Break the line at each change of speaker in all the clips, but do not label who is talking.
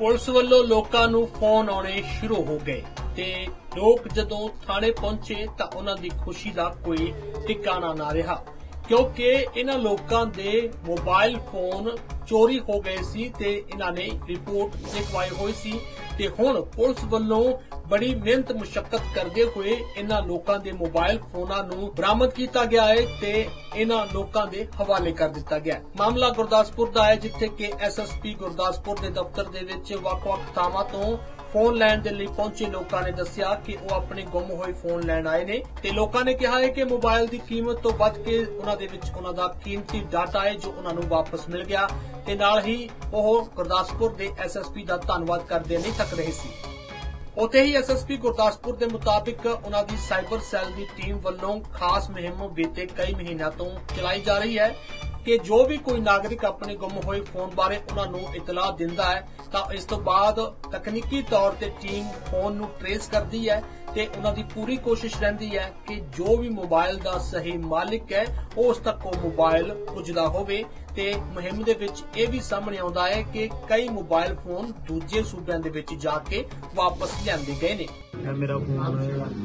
Police ਵੱਲੋਂ ਲੋਕਾਂ ਨੂੰ ਫੋਨ ਆਉਣੇ ਸ਼ੁਰੂ ਹੋ ਗਏ ਤੇ ਲੋਕ ਜਦੋਂ ਥਾਣੇ ਪਹੁੰਚੇ ਤਾਂ ਉਹਨਾਂ ਦੀ ਖੁਸ਼ੀ ਦਾ ਕੋਈ ਟਿਕਾਣਾ ਨਾ ਰਿਹਾ ਕਿਉਂਕਿ ਇਹਨਾਂ ਲੋਕਾਂ ਦੇ ਮੋਬਾਈਲ ਫੋਨ ਚੋਰੀ ਹੋ ਗਏ ਸੀ ਤੇ ਇਹਨਾਂ ਨੇ ਰਿਪੋਰਟ ਲਿਖਵਾਈ ਹੋਈ ਸੀ ਤੇ ਹੁਣ ਪੁਲਿਸ ਵੱਲੋਂ ਬੜੀ ਮਿਹਨਤ ਮੁਸ਼ੱਕਤ ਕਰਦੇ ਹੋਏ ਇਹਨਾਂ ਲੋਕਾਂ ਦੇ ਮੋਬਾਈਲ ਫੋਨਾਂ ਨੂੰ ਬਰਾਮਦ ਕੀਤਾ ਗਿਆ ਹੈ ਤੇ ਇਹਨਾਂ ਲੋਕਾਂ ਦੇ ਹਵਾਲੇ ਕਰ ਦਿੱਤਾ ਗਿਆ ਹੈ। ਮਾਮਲਾ ਗੁਰਦਾਸਪੁਰ ਦਾ ਹੈ ਜਿੱਥੇ ਕਿ ਐਸਐਸਪੀ ਗੁਰਦਾਸਪੁਰ ਦੇ ਦਫ਼ਤਰ ਦੇ ਵਿੱਚ ਵੱਖ-ਵੱਖ ਥਾਵਾਂ ਤੋਂ ਫੋਨ ਲੈਣ ਦੇ ਲਈ ਪਹੁੰਚੇ ਲੋਕਾਂ ਨੇ ਦੱਸਿਆ ਕਿ ਉਹ ਆਪਣੇ ਗੁੰਮ ਹੋਏ ਫੋਨ ਲੈਣ ਆਏ ਨੇ ਤੇ ਲੋਕਾਂ ਨੇ ਕਿਹਾ ਹੈ ਕਿ ਮੋਬਾਈਲ ਦੀ ਕੀਮਤ ਤੋਂ ਵੱਧ ਕੇ ਉਹਨਾਂ ਦੇ ਵਿੱਚ ਉਹਨਾਂ ਦਾ ਕੀਮਤੀ ਡਾਟਾ ਹੈ ਜੋ ਉਹਨਾਂ ਨੂੰ ਵਾਪਸ ਮਿਲ ਗਿਆ ਤੇ ਨਾਲ ਹੀ ਉਹ ਗੁਰਦਾਸਪੁਰ ਦੇ ਐਸਐਸਪੀ ਦਾ ਧੰਨਵਾਦ ਕਰਦੇ ਨਹੀਂ ਥੱਕ ਰਹੇ ਸੀ। ਉੱਥੇ ਹੀ ਐਸਐਸਪੀ ਗੁਰਦਾਸਪੁਰ ਦੇ ਮੁਤਾਬਿਕ ਉਹਨਾਂ ਦੀ ਸਾਈਬਰ ਸੈੱਲ ਦੀ ਟੀਮ ਵੱਲੋਂ ਖਾਸ ਮੁਹਿੰਮ ਬੀਤੇ ਕਈ ਮਹੀਨਿਆਂ ਤੋਂ ਚਲਾਈ ਜਾ ਰਹੀ ਹੈ ਕਿ ਜੋ ਵੀ ਕੋਈ ਨਾਗਰਿਕ ਆਪਣੇ ਗੁੰਮ ਹੋਏ ਫੋਨ ਬਾਰੇ ਉਹਨਾਂ ਨੂੰ ਇਤਲਾਹ ਦਿੰਦਾ ਹੈ ਤਾਂ ਇਸ ਤੋਂ ਬਾਅਦ ਤਕਨੀਕੀ ਤੌਰ ਤੇ ਟੀਮ ਫੋਨ ਨੂੰ ਟ੍ਰੇਸ ਕਰਦੀ ਹੈ ਤੇ ਉਹਨਾਂ ਦੀ ਪੂਰੀ ਕੋਸ਼ਿਸ਼ ਰਹਿੰਦੀ ਹੈ ਕਿ ਜੋ ਵੀ ਮੋਬਾਈਲ ਦਾ ਸਹੀ ਮਾਲਿਕ ਹੈ ਉਸ ਤੱਕ ਉਹ ਮੋਬਾਈਲ ਪੁੱਜਦਾ ਹੋਵੇ ਤੇ ਮੁਹਿੰਮ ਦੇ ਵਿੱਚ ਇਹ ਵੀ ਸਾਹਮਣੇ ਆਉਂਦਾ ਹੈ ਕਿ ਕਈ ਮੋਬਾਈਲ ਫੋਨ ਦੂਜੇ ਸੂਬਿਆਂ ਦੇ ਵਿੱਚ ਜਾ ਕੇ ਵਾਪਸ ਲਿਆਂਦੇ ਗਏ ਨੇ।
मेरा फोन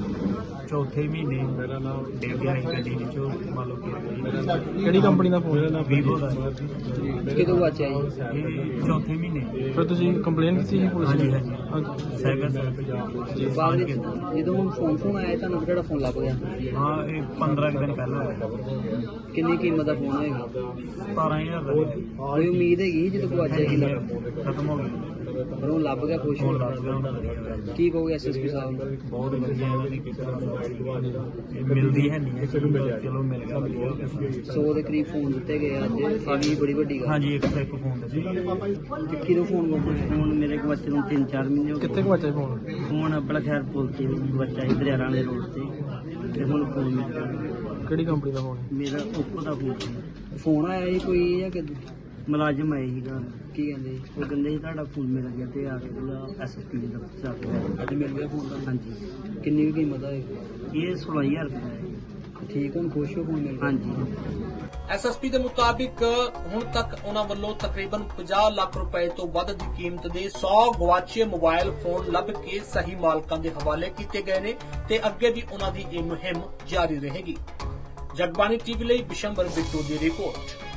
चौथे महीने मेरा नाम डे गया ਗੱਡੀ ਵਿੱਚੋਂ ਮੰਨ ਲਓ ਕਿ
ਕਿਹੜੀ ਕੰਪਨੀ ਦਾ ਫੋਨ ਹੈ?
ਵੀਵੋ ਦਾ
ਕਿਦੋਂ ਵਾਚਿਆ ਜੀ?
ਇਹ ਚੌਥੇ ਮਹੀਨੇ
ਫਿਰ ਤੁਸੀਂ ਕੰਪਲੇਨ ਕੀਤੀ ਸੀ ਪੁਲਿਸ
ਹਾਂਜੀ
ਨੂੰ?
ਹਾਂਜੀ ਸਾਈਬਰ
ਬਾਅਦ ਵਿੱਚ ਜਦੋਂ ਹੁਣ ਫੋਨ ਆਇਆ ਤੁਹਾਨੂੰ ਕਿਹੜਾ ਫੋਨ ਲੱਭ ਗਿਆ?
ਹਾਂ ਇਹ 15 ਕੁ ਦਿਨ ਪਹਿਲਾਂ ਹੋਇਆ
ਕਿੰਨੀ ਕੀਮਤ ਦਾ ਫੋਨ ਹੋਏਗਾ?
17000 ਦਾ
ਕੋਈ ਉਮੀਦ ਹੈਗੀ ਸੀ ਜਦੋਂ ਵਾਚਿਆ ਕਿ
ਖਤਮ ਹੋ ਗਿਆ
ਪਰ ਉਹ ਲੱਭ ਗਿਆ ਖੁਸ਼
ਫੋਨ
ਹੋ
ਲੱਗ ਗਿਆ ਉਹਨਾਂ ਦਾ।
ਕੀ ਕਹੋਗੇ ਐਸਐਸਪੀ ਸਾਹਿਬ ਨੂੰ?
ਬਹੁਤ ਵਧੀਆ ਇਹਨਾਂ ਦੀ ਕੀਤਾ ਇਹ ਮਿਲਦੀ ਹੈ ਨਹੀਂ ਚਲੋ ਮਿਲ ਗਿਆ ਵਧੀਆ ਹੋ ਗਿਆ।
100 ਦੇ ਕਰੀਬ ਫੋਨ ਦਿੱਤੇ ਗਏ ਅੱਜ ਇਹ ਵੀ ਬੜੀ ਵੱਡੀ ਗੱਲ।
ਹਾਂਜੀ ਇੱਕ ਫੋਨ ਦਾ ਸੀ
ਤੇ ਕਿਹਦੋਂ ਫੋਨ ਗੁੰਮ ਹੋਇਆ?
ਫੋਨ ਮੇਰੇ ਕੋਲ ਬੱਚੇ ਨੂੰ 3-4 ਮਹੀਨੇ ਹੋ
ਕਿੱਥੇ ਗਵਾਚਿਆ ਫੋਨ?
ਗਏ। ਫੋਨ ਆਪਣਾ ਖੈਰ ਪੁੱਲ ਤੇ ਬੱਚਾ ਹੀ ਦਰਿਆਰਾਂ ਦੇ ਰੋਡ ਤੇ ਤੇ ਹੁਣ ਫੋਨ ਮਿਲ ਗਿਆ।
ਕਿਹੜੀ ਕੰਪਨੀ ਦਾ ਫੋਨ?
ਮੇਰਾ ਓਪੋ ਦਾ ਫੋਨ ਸੀ।
ਫੋਨ ਆਇਆ ਸੀ ਕੋਈ ਜਾਂ ਕਿ
ਮੁਲਾਜ਼ਮ ਆਏ ਸੀਗਾ,
ਕੀ ਕਹਿੰਦੇ ਸੀ?
ਉਹ ਕਹਿੰਦੇ ਸੀ ਤੁਹਾਡਾ ਫੋਨ ਮਿਲ ਗਿਆ ਤੇ ਆ ਕੇ ਉਹਦਾ ਐਸਐਸਪੀ ਦੇ ਦਫ਼ਤਰ ਜਾ ਕੇ
ਅੱਜ ਮਿਲ ਗਿਆ ਫੋਨ ਦਾ?
ਹਾਂਜੀ
ਕਿੰਨੀ ਕੁ ਕੀਮਤ ਆ ਇਹ?
ਇਹ 16000 ਰੁਪਏ ਦਾ ਹੈ।
ਠੀਕ ਹੁਣ ਖੁਸ਼ ਹੋ ਫੋਨ ਮਿਲ ਗਿਆ?
ਹਾਂਜੀ
ਐਸਐਸਪੀ ਦੇ ਮੁਤਾਬਿਕ ਹੁਣ ਤੱਕ ਉਹਨਾਂ ਵੱਲੋਂ ਤਕਰੀਬਨ 50 ਲੱਖ ਰੁਪਏ ਤੋਂ ਵੱਧ ਦੀ ਕੀਮਤ ਦੇ 100 ਗਵਾਚੇ ਮੋਬਾਈਲ ਫੋਨ ਲੱਭ ਕੇ ਸਹੀ ਮਾਲਕਾਂ ਦੇ ਹਵਾਲੇ ਕੀਤੇ ਗਏ ਨੇ ਤੇ ਅੱਗੇ ਵੀ ਉਹਨਾਂ ਦੀ ਇਹ ਮੁਹਿੰਮ ਜਾਰੀ ਰਹੇਗੀ। ਜਗਬਾਣੀ ਟੀਵੀ ਲਈ ਬਿਸ਼ੰਬਰ ਬਿੱਟੂ ਦੀ ਰਿਪੋਰਟ।